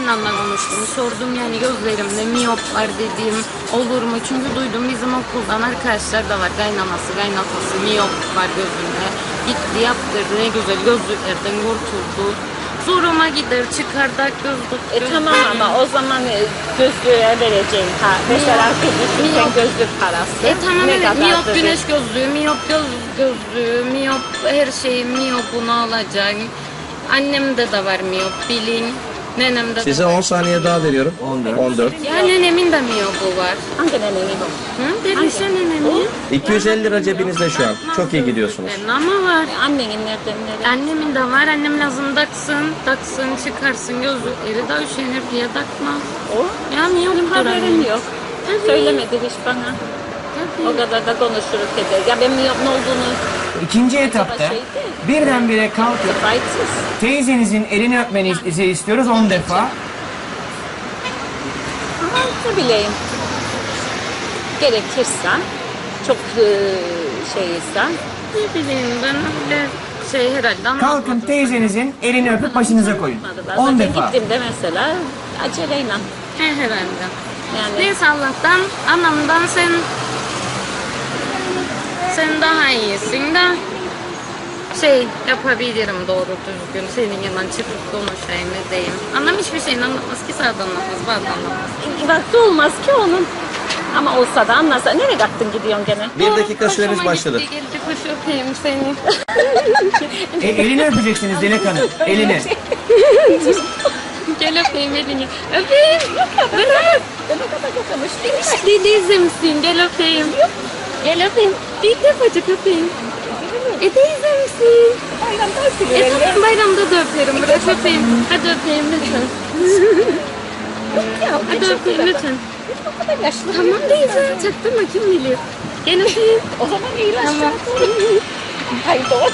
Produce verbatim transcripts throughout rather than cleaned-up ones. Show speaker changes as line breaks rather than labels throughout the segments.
kaynanamla konuştum. Sordum yani gözlerimde miyop var dedim. Olur mu? Çünkü duydum bizim okuldan arkadaşlar da var. Kaynanası, kaynatası miyop var gözünde. Gitti yaptırdı. Ne güzel gözlüklerden kurtuldu. Zoruma gider çıkardak gözlük.
E tamam ama o zaman gözlüğe vereceğin ha. Mesela kızlıkken gözlük parası.
E tamam
ne
evet miyop
kadardır?
güneş gözlüğü, miyop göz gözlüğü, miyop her şeyi miyopunu alacağım. Annemde de var miyop bilin. Nenemde
Size
de var.
on saniye daha veriyorum. on dört.
Ya nenemin de miyopu var.
Hangi nenenin o?
Hı? Dervişe nenemin.
iki yüz elli lira cebinizde şu an. Çok iyi gidiyorsunuz.
Benim ama var.
Annenin nereden nereye?
Annemin de var. Annem lazım taksın, taksın, çıkarsın gözlükleri de üşenir diye takmaz.
O?
Ya miyop
Benim haberim yok.
Tabii.
Söylemedi hiç bana.
Tabii.
O kadar da konuşuruz eder. Ya ben miyop ne olduğunu
İkinci etapta birdenbire kalkıp
kayıtsız.
teyzenizin elini öpmenizi istiyoruz on defa.
Ama ne bileyim. Gerekirse çok e, şeyse.
Ne bileyim ben öyle şey herhalde anlatmadım.
Kalkın teyzenizin elini öpüp başınıza koyun.
on
on
defa.
defa.
Gittiğimde mesela aceleyle.
He herhalde.
Yani
Neyse Allah'tan, anamdan sen sen daha iyisin de şey yapabilirim doğru düzgün senin yanından çıkıp konuşayım ne diyeyim. Annem hiçbir şeyini anlatmaz ki sağda anlatmaz, bazı anlatmaz.
vakti olmaz ki onun. Ama olsa da anlasa. Nereye kalktın gidiyorsun gene?
Bir dakika süreniz
Hoşuma
başladı.
gitti, geldi kuş öpeyim seni.
E, elini öpeceksiniz Dilek Hanım. Elini.
Gel öpeyim elini. Öpeyim. Bırak. Hadi teyzemsin gel öpeyim. Gel öpeyim. Bir defacık öpeyim. E teyzemsin.
Bayramda
E
öpülür.
tamam bayramda da öperim. Bırak öpeyim. Hadi öpeyim lütfen.
Ya,
Hadi öpeyim lütfen.
O kadar yaşlı.
Tamam teyze. Çaktırma kim bilir. Gel öpeyim.
O zaman iyileşti.
Tamam.
Haydi o.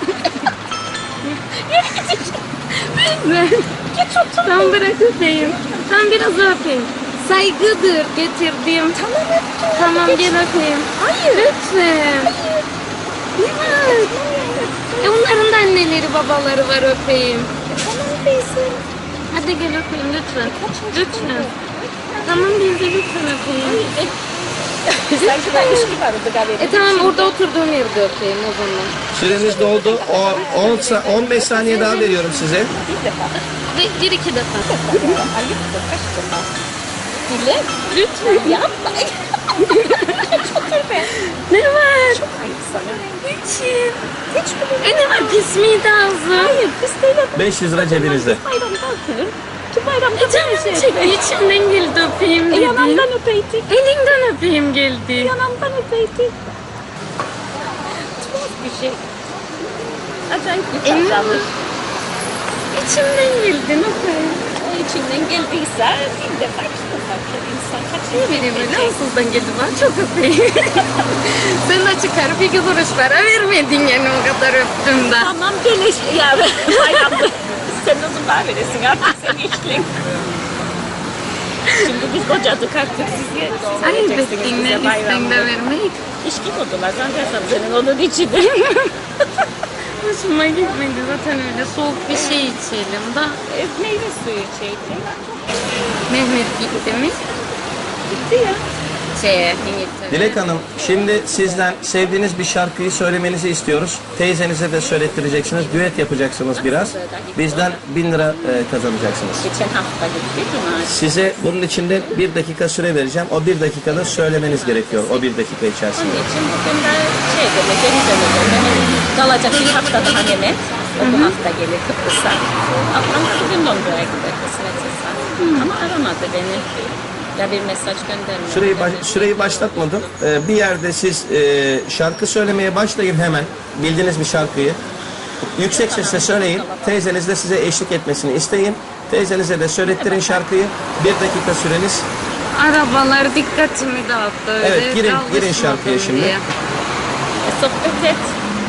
Ben. Tamam bırak öpeyim. Tamam biraz daha öpeyim. Saygıdır getirdim.
Tamam öptüm.
Tamam gel öpeyim. Hayır. Lütfen. Hayır. E onların da anneleri babaları var öpeyim.
Tamam teyze.
Hadi gel öpeyim lütfen. Lütfen. Tamam teyze lütfen öpeyim.
Sanki ben ilişki vardı galiba.
E tamam orada oturduğum yerde öpeyim o zaman.
Süreniz doldu. O on sa- on beş saniye daha veriyorum size.
Bir defa.
Ve bir iki defa.
Ayıptır. Kaç defa? Dile.
Lütfen.
Yapma. Çok be.
Ne var?
Çok ayıp sana.
Niçin?
Hiç mi?
E ne var pis miydi ağzı?
Hayır pis değil.
beş yüz lira cebinizde.
Bayramda öpülür. Ki bayramda
E canım
bir şey
çekti
öpeyim.
içimden geldi öpeyim
E
dedi.
yanamdan öpeydik.
Elinden öpeyim geldi.
Yanamdan öpeydik. Tuhaf bir şey. Acayip bir
Emin
tatlı.
İçimden geldi öpeyim.
O içinden geldiyse bir defa iki defa bir insan kaç
Ne bileyim öyle ağzından geldi bana çok öpeyim. Sen de çıkarıp iki kuruş para vermedin yani o kadar öptüm de.
Tamam geliş ya bayramda. Sen uzun daha veresin artık sen işlin. Şimdi biz kocadık artık siz ye. Siz
Ay
vereceksiniz
bekleyin ne
bize
listen
bayramda.
de vermek.
İşki kodular zaten senin onun içinde.
Hoşuma gitmedi zaten öyle soğuk bir şey içelim da.
E, meyve suyu içeydi.
Mehmet gitti mi?
Gitti ya.
Şeye İngiltere.
Dilek Hanım, şimdi sizden sevdiğiniz bir şarkıyı söylemenizi istiyoruz. Teyzenize de söylettireceksiniz. Düet yapacaksınız biraz. Bizden bin lira e, kazanacaksınız.
Geçen hafta gitti Cuma.
Size bunun içinde bir dakika süre vereceğim. O bir dakikada söylemeniz gerekiyor. O bir dakika içerisinde.
Onun için bugün de şey demek, geri döneceğim. Kalacak bir hafta daha Mehmet. O bu hafta gelir Kıbrıs'a. Ablam da bugün Londra'ya gider kısmetse. Ama aramadı beni. Ya bir mesaj göndermedi.
Süreyi, baş, süreyi başlatmadım. Ee, bir yerde siz e, şarkı söylemeye başlayın hemen. Bildiğiniz bir şarkıyı. Yüksek sesle söyleyin. Teyzeniz de size eşlik etmesini isteyin. Teyzenize de söylettirin şarkıyı. Bir dakika süreniz.
Arabalar dikkatimi dağıttı öyle.
Evet, girin- girin
alışmadım
şarkıya şimdi.
diye.
E, sohbet et.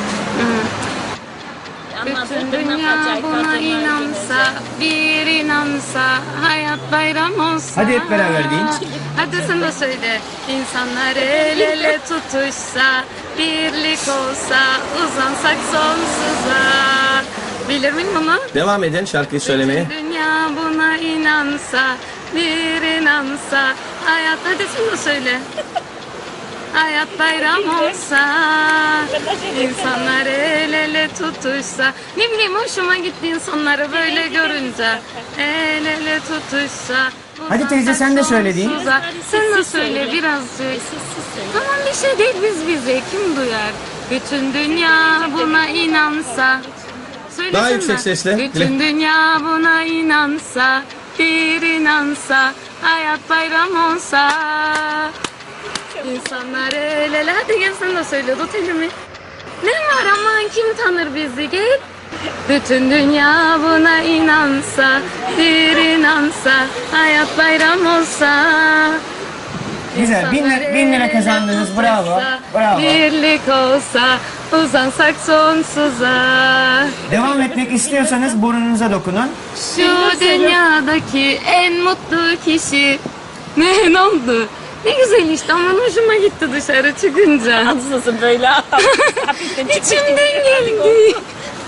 Bütün dünya buna inansa, bir inansa, hayat bayram olsa.
Hadi hep beraber deyin.
Hadi sen de söyle. İnsanlar el ele tutuşsa, birlik olsa, uzansak sonsuza. Bilir miyim bunu?
Devam edin şarkıyı söylemeye.
Dünya buna inansa, bir inansa, hayat, hadi sen de söyle. Hayat bayram olsa, insanlar el ele tutuşsa. Ne bileyim hoşuma gitti insanları böyle görünce. El ele tutuşsa.
Hadi teyze, sen de söyle diyeyim.
sonsuza. Sen de söyle birazcık. Tamam, bir şey değil, biz bize kim duyar? Bütün dünya buna inansa. Söylesene.
Daha yüksek sesle.
Bütün dünya buna inansa, bir inansa, hayat bayram olsa. İnsanlar el ele. Hadi gel sen de söyle, tut elimi. Ne var aman, kim tanır bizi, gel. Bütün dünya buna inansa, bir inansa, hayat bayram olsa.
Güzel. Bin, lira- bin lira kazandınız. Bravo. Bravo.
Birlik olsa, uzansak sonsuza.
Devam etmek istiyorsanız burnunuza dokunun.
Şu dünyadaki en mutlu kişi. Ne, ne oldu? Ne güzel işte, ama hoşuma gitti dışarı çıkınca.
Ansızın böyle hafiften çıkmış gibi.
İçimden geldi.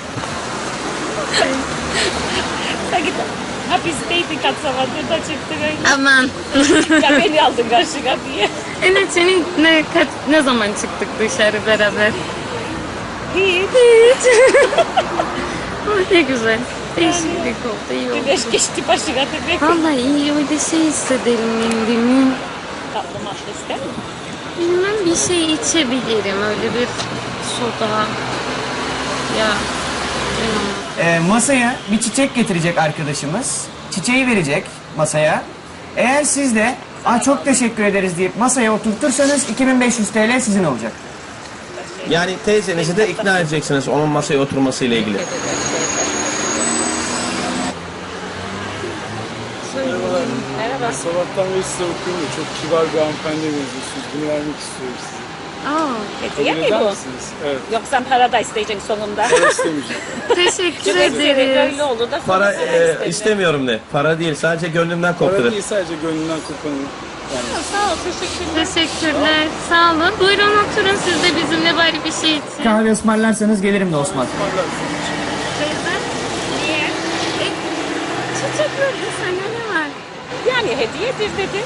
Sanki hapisteydik katsavadır da çıktı böyle.
Aman.
Ya beni aldın karşıya diye.
Evet, senin ne, kaç, ne zaman çıktık dışarı beraber?
Hiç.
Hiç. Oh, ne güzel. Değişiklik oldu, iyi oldu.
Güneş geçti başına demek.
Vallahi iyi, öyle şey hissederim kendimi.
Tatlı matlı ister mi?
Bilmem, bir şey içebilirim, öyle bir soda. Ya. bilmem.
Ee, masaya bir çiçek getirecek arkadaşımız. Çiçeği verecek masaya. Eğer siz de "Aa, çok teşekkür ederiz" deyip masaya oturtursanız iki bin beş yüz T L sizin olacak.
Yani teyzenizi de ikna edeceksiniz onun masaya oturmasıyla ilgili.
Merhaba.
Sabahtan beri size okuyorum da çok kibar bir hanımefendi benziyorsunuz. Bunu vermek istiyorum size.
Aa,
Hediye
Kabul
mi
eder
bu?
misiniz? Evet.
Yoksa para da isteyeceksin sonunda.
Ben istemeyeceğim.
teşekkür
Böyle
ederiz.
oldu da
Para
sonra
e,
istedim.
istemiyorum de. Para değil, sadece gönlümden
Para
koptu de.
değil, sadece gönlünden kopanı. Yani
Sağ ol, teşekkürler.
Teşekkürler. Sağ olun. Buyurun oturun siz de bizimle bari bir şey için.
Kahve ısmarlarsanız gelirim de Osman.
Teyze.
Niye?
E, çiçek verdi sana, ne var?
Yani hediyedir dedi.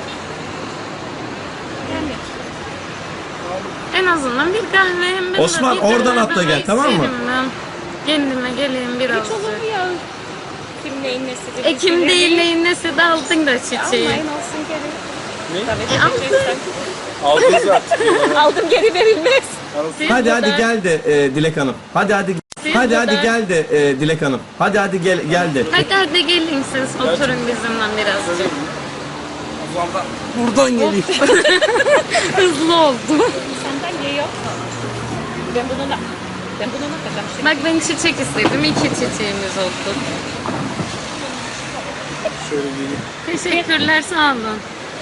Yani.
En azından bir kahve, hem ben de
Osman,
bir
oradan
kahve
atla gel,
daha
tamam mı?
isterim ben. Kendime geleyim biraz.
Hiç olur mu ya? Kim neyin nesidir?
E kim değil neyin nesi de aldın da çiçeği.
Almayın olsun geri.
Ne?
Tabii
E, aldın.
edeceksen.
aldınız artık.
Aldım geri verilmez.
Siz
Hadi
burada-
hadi gel de e, Dilek Hanım. Hadi hadi.
Siz
Hadi
burada-
hadi gel de e, Dilek Hanım. Hadi hadi gel gel de.
Hadi hadi gelin siz, oturun bizimle birazcık.
Buradan geliyor.
Hızlı oldu.
Sandalye yok. Ben bununla, ben bununla takacağım şimdi.
Bak, ben çiçek istedim, iki çiçeğimiz oldu.
Şöyle geleyim.
Teşekkürler, sağ olun.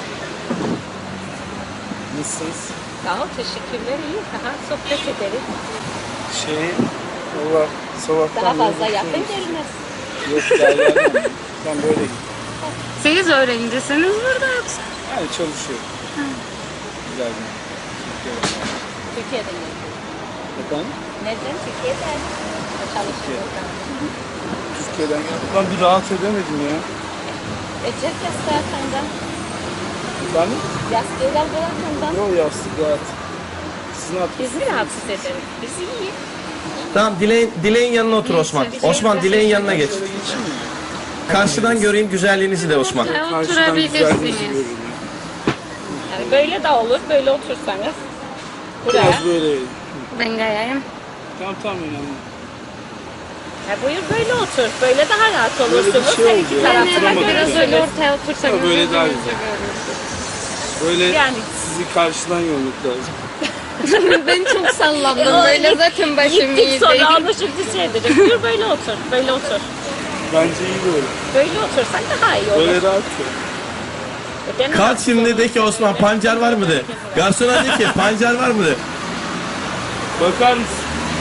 Nasılsınız?
Sağ ol, teşekkürler. İyi. Daha sohbet ederiz.
Şey, valla sabahtan
Daha
beri
fazla
bakıyorum.
yapın gelmez.
Yok, derler. Ben böyle
Siz öğrencisiniz burada yoksa?
yani çalışıyorum. Güzel bir. Türkiye'de.
Türkiye'den geldim.
Efendim?
Neden? Türkiye'den. Çalışıyorum.
Türkiye'den geldim. Ben bir rahat edemedim ya.
Ecek yastığı senden.
Ben
Yastığı al bırakından.
yok yastık rahat. Siz ne yapıyorsunuz?
Biz mi rahatsız ederiz? Biz iyi.
Tamam, Dilek'in Dilek'in yanına otur Osman. Osman, Dilek'in yanına geç.
Şöyle geçeyim mi?
Karşıdan göreyim güzelliğinizi de Osman.
Karşıdan
Oturabilirsiniz.
güzelliğinizi görüyorum.
Yani böyle de olur, böyle otursanız. Buraya.
Biraz böyle.
Ben gayayım.
Tamam tamam önemli.
Ha, buyur böyle otur. Böyle daha rahat
Böyle bir
olursunuz.
şey
Her
oldu
iki
ya.
tarafta
Yani
da
Oturamadım
biraz
yani.
öyle
görürsünüz.
ortaya otursanız.
Ha, böyle daha
yüzünüzü
güzel.
görürsünüz.
Böyle
Yani.
sizi karşıdan görmek lazım.
Ben çok sallandım. Böyle zaten başım
Gittik
iyi
sonra
değil.
anlaşıldı şey dedim. Buyur böyle otur. Böyle otur.
Bence iyi böyle.
Böyle otursak daha iyi olur.
Böyle rahat ya.
E, ben-
Kalk şimdi de ki Osman, pancar var mı de. Garsona de ki pancar var mı de.
Bakar mısın?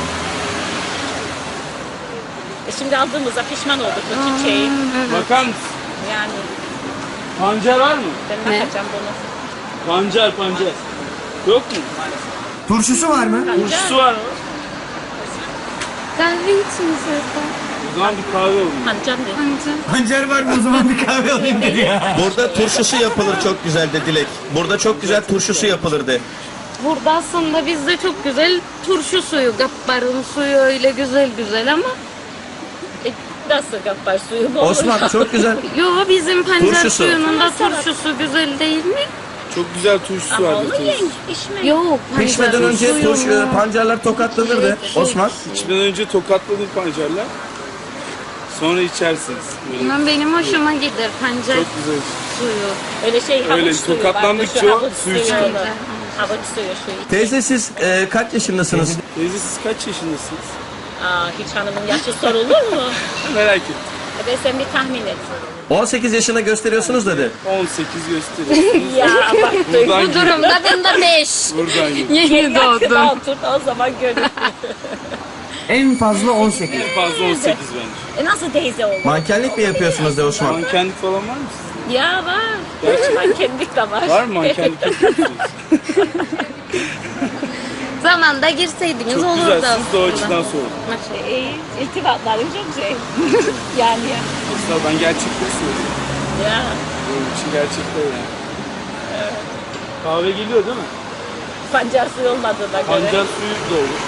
E, şimdi aldığımızda pişman olduk bu çiçeği.
Bakar mısın?
Yani
Pancar var mı?
ben
Ne?
bakacağım bunu.
Pancar pancar. Yok mu?
Turşusu var mı?
Turşusu var mı?
Kahve içiniz zaten.
O zaman bir kahve alayım.
Hancan ne?
Anca.
Pancar var mı o zaman bir kahve alayım dedi ya.
Burada turşusu yapılır çok güzel de Dilek. Burada çok güzel turşusu yapılır de.
Burada aslında bizde çok güzel turşu suyu, gapparın suyu öyle güzel güzel ama
E, nasıl kapar suyu bu?
Osman çok güzel.
yo bizim pancar
Turşusu.
suyunun da turşusu güzel değil mi?
Çok güzel turşusu
Ama
var.
onu
bir
yiyin,
turşusu.
içmeyin.
Yok
Pişmeden
pancarın
önce
suyunu-
turş, e, pancarlar tokatlanırdı Osman.
İçmeden önce tokatladım pancarla. Sonra içersiniz. Böyle
Bilmem, benim hoşuma gider pancar
çok güzel.
suyu.
Öyle şey havuç
Öyle,
suyu.
tokatlandıkça
vardı, şu
o
havuç
suyu
suyu
çıkıyor.
olur. Havuç suyu şu iç.
Teyze siz e, kaç yaşındasınız?
Teyze siz kaç yaşındasınız?
Aa, hiç hanımın yaşı sorulur mu?
Merak ettim.
E ben sen bir tahmin et.
on sekiz yaşına gösteriyorsunuz dedi.
on sekiz gösteriyorsunuz.
Ya bak
Bu
duydun.
durumda bunda beş.
Buradan geliyor.
Yeni doğdum.
Otur o zaman görürsün.
En fazla on sekiz.
En fazla on sekiz bence.
E nasıl teyze olur?
Mankenlik mi yapıyorsunuz de Osman?
Mankenlik falan var mı sizin?
Ya var. Mankenlik de var.
Var mı mankenlik yapıyorsunuz?
Zamanda girseydiniz
Çok
olurdu
güzel. Siz de o
aslında.
açıdan sorun.
Şey, iltifatların çok şey. yani ya.
Aslında ben gerçekleri söylüyorum.
Ya.
Benim için gerçekler yani. Kahve geliyor değil mi?
Pancar suyu olmadığına göre.
Pancar suyu da olur.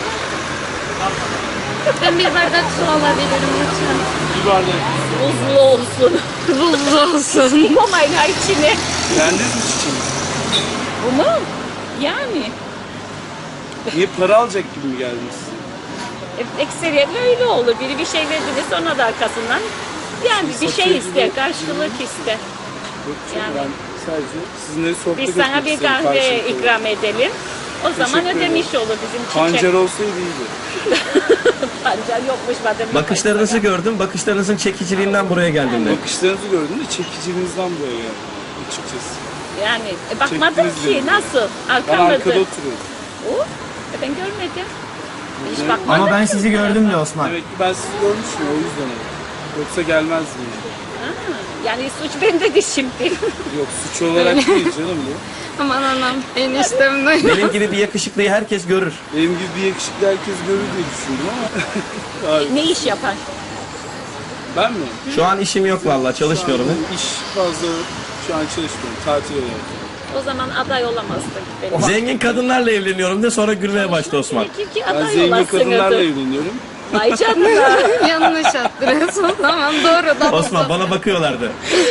Ben bir bardak su alabilirim lütfen.
Bir bardak.
Buzlu olsun.
Buzlu olsun.
Komayın ha içine.
Beğendiniz mi çiçeğinizi?
Bu mu? Yani.
Niye para alacak gibi mi geldiniz?
E, Ekseriyetle öyle olur. Biri bir şey verdiğinde sonra da arkasından yani bir şey
satıyor
ister,
gibi.
karşılık ister.
Yok canım,
Yani.
ben sadece sizinle sohbet
Biz
etmek
sana bir
istedim
kahve
karşılıklı.
ikram edelim. O zaman
Teşekkür
ödemiş olur bizim çiçek.
Pancar olsaydı iyiydi.
Pancar yokmuş madem.
Bakışlarınızı gördüm. Bakışlarınızın çekiciliğinden buraya geldim de.
Bakışlarınızı gördüm de çekiciliğinizden buraya geldim açıkçası.
Yani e, bakmadım
Çektiniz
ki
beni.
nasıl?
Ben
Arkamda.
arkada oturuyorum.
O? E, ben görmedim. Hiç
Evet.
bakmadım.
Ama ben sizi gördüm de Osman.
Demek ki ben sizi görmüşüm o yüzden öyle. Yoksa gelmezdim yani.
Ha, yani suç bendedir şimdi.
Yok suç olarak değil canım bu.
Aman anam eniştem de.
Benim gibi bir yakışıklıyı herkes görür.
Benim gibi bir yakışıklı herkes görür diye düşündüm ama. Abi,
Ne iş yapar?
ben mi?
Şu an işim yok vallahi çalışmıyorum.
Şu an iş fazla şu an çalışmıyorum. Tatil yapıyorum.
O zaman aday olamazdık benim.
Zengin kadınlarla evleniyorum de sonra gülmeye başladı Osman.
Peki ki
Ben
aday
zengin
olasın.
kadınlarla evleniyorum.
Ay canına.
Yanlış adres o zaman doğru da.
Osman bana bakıyorlardı.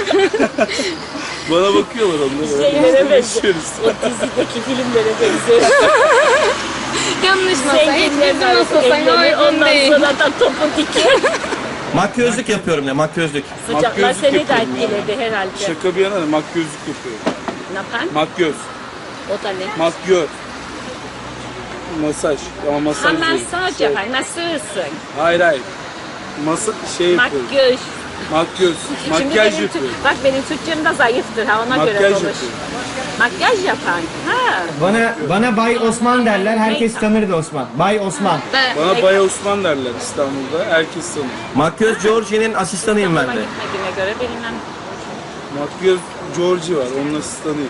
Bana bakıyorlar onlar.
Şeylere benziyor.
Konuşuyoruz.
O dizideki filmlere benziyor.
Yanlış masa. Hiç
Zenginler
bizim masa sana
evlenir,
uygun
ondan
değil.
sonra da topu diker.
Makyözlük yapıyorum ne makyözlük.
Sıcaklar
Makyözlük
seni de
yapıyorum ya.
etkiledi herhalde.
Şaka bir yana da makyözlük yapıyorum.
Ne yapan?
Makyöz.
O da ne?
Makyöz. Masaj. Ama masaj
Ha
değil.
masaj
Şey-
yapar, masörsün.
Hayır hayır. Masa şey yapıyorum.
Makyaj.
Makyöz.
Şimdi
Makyaj
benim
yapıyorum.
Tür- Bak benim Türkçem de zayıftır ha ona göre
Makyaj
konuş.
yapıyorum.
Makyaj yapan. Ha.
Bana bana Bay Osman derler. Herkes tanır da Osman. Bay Osman.
Ben
Bana Bay Osman derler İstanbul'da. Herkes tanır.
Makyöz Georgie'nin asistanıyım ben
Ama
de.
gitmediğime göre benimle
Makyöz Georgie var. Onun asistanıyım.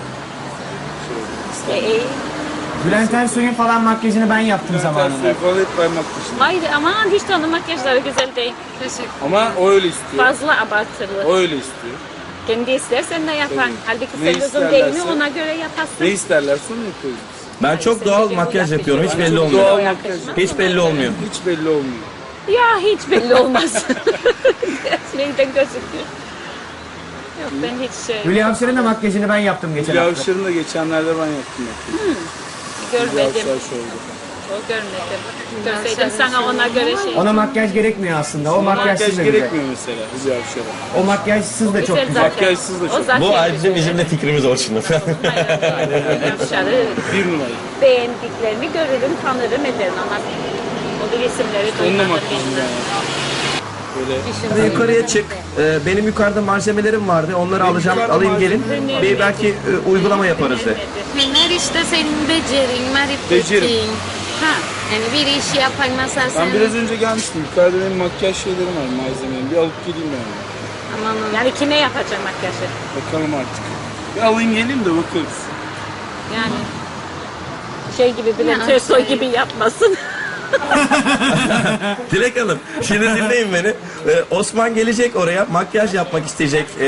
Şöyle,
e,
İstanbul.
e,
Bülent Ersoy'un falan makyajını ben yaptım
Bülent
zamanında.
Ersoy falan hep ben makyajım.
hayır aman hiç de onun makyajları güzel değil.
teşekkür.
Ama o öyle istiyor.
Fazla abartılı.
O öyle istiyor.
Kendi istersen de yapan.
Tabii.
Halbuki
Ne
sen uzun değil mi
isterlerse-
ona göre yaparsın.
Ne isterlerse onu yapıyoruz biz.
Ben çok doğal makyaj yapıyorum. Hiç belli
Doğal
olmuyor.
makyaj.
Hiç belli olmuyor.
Hiç belli olmuyor.
Ya hiç belli olmaz. Neyden gözüküyor? Yok ben hiç şey
Hülya Avşar'ın da makyajını ben yaptım geçen
Hülya
hafta.
Avşar'ın da geçenlerde ben yaptım. Hülya
görmedim.
Avşar şovda.
O görmedim. Görseydim sana ona göre şey.
Ona makyaj gerekmiyor aslında. O
Makyaj
makyajsız da güzel.
gerekmiyor mesela Hülya Avşar'a.
O makyajsız da çok
Güzel
güzel.
zaten.
Makyajsız da
O
çok.
zaten
Bu ay
güzel.
bizim bizim de fikrimiz var şimdi.
Avşar'ı
Bir numara.
beğendiklerini görürüm, tanırım, ederim ama o bir isimleri
Onunla
duymadım
makyajım
bilmem.
yani. Böyle
Hadi yukarıya çık. Ee, benim yukarıda malzemelerim vardı. Onları alacağım.
yukarıda
Alayım gelin.
malzemelerim
Bir belki e, uygulama yaparız de.
Hüner işte senin becerin,
Becerim.
marifetin.
Ha,
Yani bir işi yapan mesela
ben
sen.
biraz önce gelmiştim. Yukarıda benim makyaj şeylerim var, malzemelerim. Bir alıp geleyim ben.
Amanın.
yani kime yapacağım makyajı?
Bakalım artık. Bir alayım geleyim de bakarız.
Yani şey gibi Bülent
Ya,
Ersoy
şey.
gibi yapmasın.
Dilek Hanım, şimdi dinleyin beni. Ee, Osman gelecek oraya, makyaj yapmak isteyecek.